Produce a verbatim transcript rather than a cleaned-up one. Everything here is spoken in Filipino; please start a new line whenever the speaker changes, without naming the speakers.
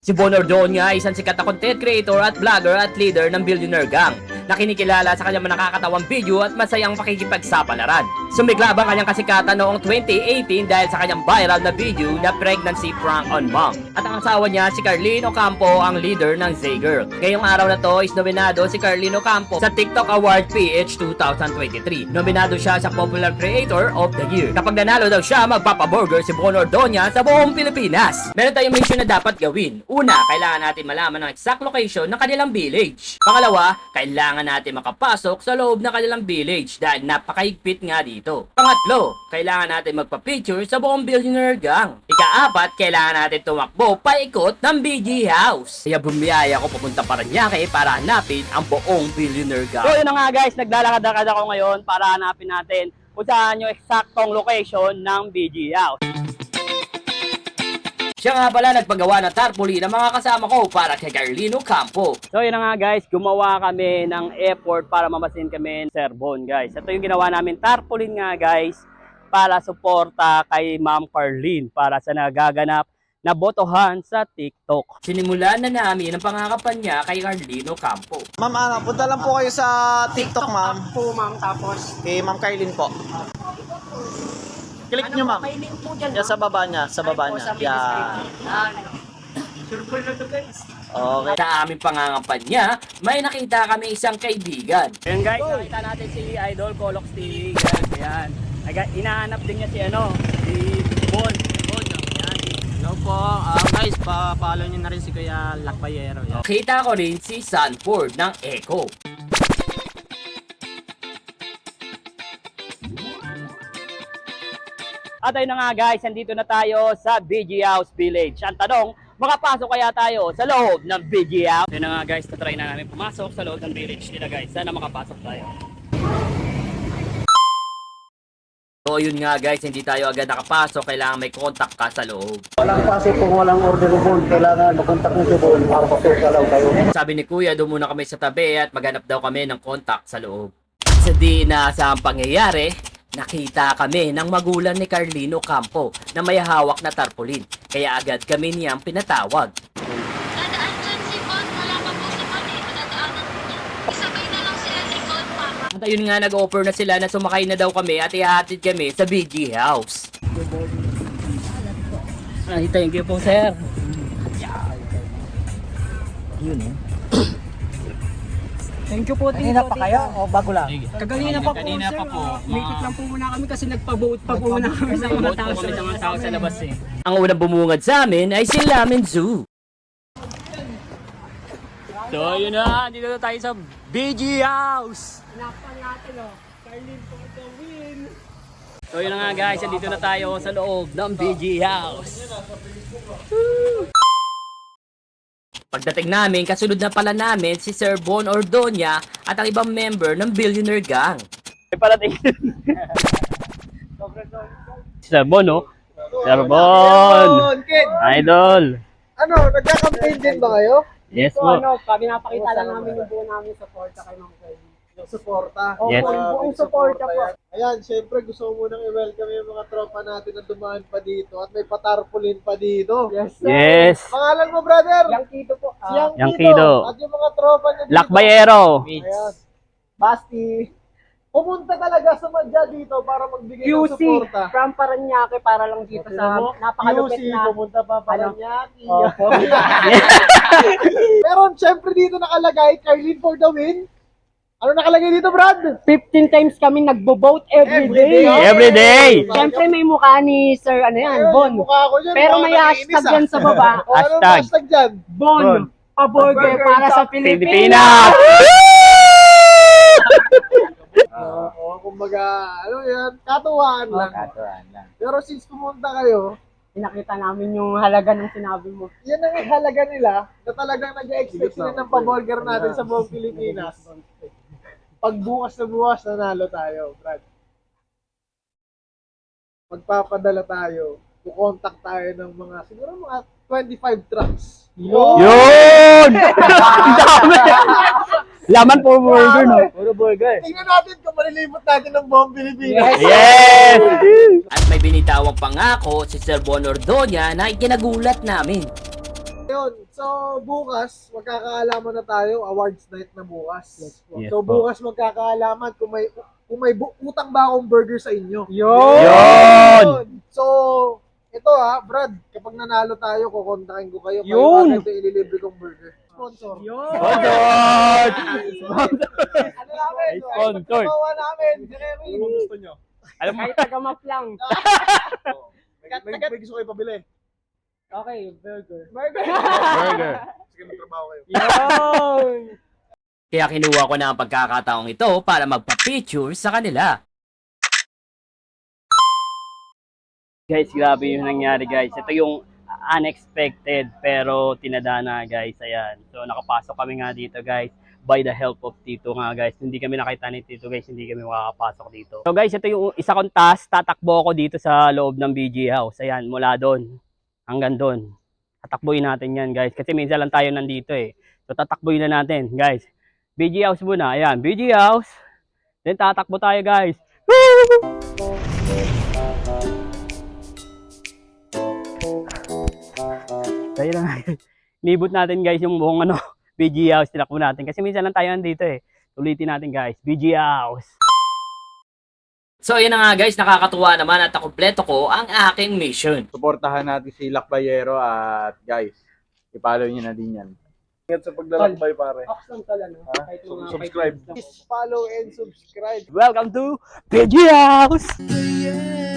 Si Bon Ordonia ay isang sikat na content creator at vlogger at leader ng Billionaire Gang na kinikilala sa kanyang nakakatawang video at masayang pakikipagsapalaran. Sumiklab ang kanyang kasikatan noong twenty eighteen dahil sa kanyang viral na video na pregnancy prank on mom. At ang asawa niya si Carlene Ocampo ang leader ng Z-Girl. Ngayong araw na to is nominado si Carlene Ocampo sa TikTok Award P H twenty twenty-three. Nominado siya sa Popular Creator of the Year. Kapag nanalo daw siya, magpapaburger si Bon Ordonia sa buong Pilipinas. Meron tayong mission na dapat gawin. Una, kailangan natin malaman ang exact location ng kanilang village. Pangalawa, kailangan natin makapasok sa loob ng kanilang village dahil napakahigpit nga dito. Pangatlo, kailangan natin magpa-picture sa buong Billionaire Gang. Ikaapat, kailangan natin tumakbo paikot ng B G House. Kaya bumiyaya ako papunta Paranaque para hanapin ang buong Billionaire Gang.
So yun na nga guys, naglalakad-lakad ako ngayon para hanapin natin kung saan yung eksaktong location ng B G House.
Siya nga pala nagpagawa ng tarpaulin ng mga kasama ko para kay Carlene Ocampo.
So yun na nga guys, gumawa kami ng effort para mamasin kami ng Sir Bon guys. Ito yung ginawa namin tarpaulin nga guys para suporta kay Ma'am Carlene para sa nagaganap na botohan sa TikTok.
Sinimulan na namin ang pangakapan niya kay Carlene Ocampo.
Ma'am, ano, punta lang po kayo sa TikTok, ma'am.
po, ma'am. Tapos,
Kay Ma'am Carlene po. Click nyo, ma'am.
may link po dyan.
Yan sa baba niya, sa baba
Po,
niya.
sa may
Yan.
description. Surprise na to, guys.
Okay.
Sa aming pangangapan niya, may nakita kami isang kaibigan.
Ayan guys, nakita natin si Idol Colox T V guys. Ayan. Aga, inahanap din niya si ano, si Bon. Bon, ayan.
Hello po. Ah, guys, pa-follow nyo na rin si Kuya Lakbayero. Yan.
Kita ko rin si Sanford ng Echo.
At ayun na nga guys, nandito na tayo sa B G House Village. Ang tanong, makapasok kaya tayo sa loob ng B G House? Ayun na nga guys, tatry na namin pumasok sa loob ng village nila guys. Sana makapasok tayo.
So yun nga guys, hindi tayo agad nakapasok, kailangan may contact ka sa loob.
Walang pase kung walang order phone, kailangan makontak mo si Bon para pasok ka lang kayo.
Sabi ni Kuya, doon muna kami sa tabi at maghanap daw kami ng contact sa loob. Sa di inaasahang pangyayari, nakita kami ng magulang ni Carlene Ocampo na may hawak na tarpaulin. Kaya agad kami niyang pinatawag.
Dadaan dyan si Bon, wala pa po si Bon eh, dadaanan po niya. Isabay na lang sila ni Bon, Papa.
At ayun nga, nag-offer na sila na sumakay na daw kami at ihahatid kami sa B G House.
Ay, thank you po sir.
Thank you po,
Kanina pa kayo o bago lang?
Kaganina pa po,
Kanina
sir.
pa po.
Ah, Mikit lang po muna kami kasi nagpa-vote pa po muna kami sa mga tao.
kami sa mga tao sa labas eh.
Ang unang bumungad sa amin ay si Lamin Zoo.
So yun na, dito na tayo sa B G House.
Hinapan natin, oh. Carlene for the win.
So yun na nga guys, dito na tayo sa loob ng B G House.
Pagdating namin, kasunod na pala namin si Sir Bon Ordonia at ang ibang member ng Billionaire Gang.
May parating. Sir Bon, no? Sir Bon!
Kid!
Idol!
Ano, nagka-campaign din ba kayo?
Yes
So
po.
ano, kami napakita lang namin yung buo namin support sa kay Ma'am Carlene.
Yung suporta.
Opo,
Yes.
yung buong suporta po.
yan. Ayan, syempre gusto ko munang i-welcome yung mga tropa natin na dumaan pa dito at may patarpulin pa dito.
Yes, sir.
Yes!
Pangalan mo, brother?
Yang Kito po.
Si Yang
Yang
Kido.
Kido.
At yung mga tropa niya dito.
Lakbayero!
Ayan. Basti. Pumunta talaga sa madya dito para magbigay
Q
ng
C
suporta.
from Paranaque para lang dito sa napakalupit
Q C,
na.
pumunta pa
Ano?
Paranaque.
Opo.
Pero syempre dito nakalagay, Carlene for the win. Ano nakalagay dito, Brad?
fifteen times kami nagbo-vote every
Every
day.
day.
Every day!
Siyempre may mukha ni Sir ano yan,
Ayun,
Bon.
yung mukha ko dyan,
Pero
mukha
may
nangiinis,
hashtag
ah.
yan sa baba.
O, anong
Hashtag.
hashtag dyan?
Bon,
Bon.
paburger para sa Pilipinas.
Pilipinas!
Oo, oh, kumbaga, ano yan, katuwaan lang. Pero since pumunta kayo,
Pinakita namin yung halaga ng sinabi mo.
yan ang halaga nila na talagang nag-expect sila ng paburger natin sa buong Pilipinas. Pag bukas na bukas, nanalo tayo, Brad. Magpapadala tayo. Kukontak tayo ng mga, siguro mga twenty-five trucks.
Yun! Ang dami! Laman po burger, no?
Puro burger. Tingnan natin kung malilibot natin ng buong Pilipinas.
Yes!
At may binitawang pangako si Sir Bon Ordonia na ikinagulat namin.
Yun. So, bukas, magkakaalaman na tayo. Awards night na bukas.
Yes
So,
po.
bukas magkakaalaman kung may kung may bu- utang ba akong burger sa inyo.
Yun!
So, ito ha, Brad, kapag nanalo tayo, kukontakin ko kayo.
Yun!
Kayo agad yung ililibre kong burger. Sponsor.
Sponsor!
Ano namin?
Ay, sponsor.
Ay, namin. Si Kevin.
Ano gusto nyo?
Alam kahit tagamap lang.
May, may gusto kayo pabili.
Okay, burger.
Burger.
Burger.
Sige, magtrabaho kayo.
Yun!
Kaya kinuha ko na ang pagkakataong ito para magpa-picture sa kanila.
Guys, grabe yung nangyari guys. Ito yung unexpected pero tinadana guys. Ayan. So nakapasok kami nga dito guys by the help of Tito nga guys. Hindi kami nakita ni Tito guys, hindi kami makakapasok dito. So guys, ito yung isa kong task. Tatakbo ako dito sa loob ng B G House. Ayan, mula doon hanggang doon. Tatakbuhin natin yan guys. Kasi minsan lang tayo nandito eh. So tatakbuhin na natin guys. B G House muna. Ayan, B G House. Then tatakbo tayo guys. Tayo na nga. Libot natin guys yung buong ano, B G House. Tinakbo natin. Kasi minsan lang tayo nandito eh. Ulitin natin guys. B G House.
So yun na nga guys, nakakatuwa naman at nakumpleto ko ang aking mission.
Suportahan natin si Lakbayero at guys, i-follow nyo na din yan.
Ingat sa paglalakbay, pare.
Sub- subscribe.
Please follow and subscribe.
Welcome to B G House.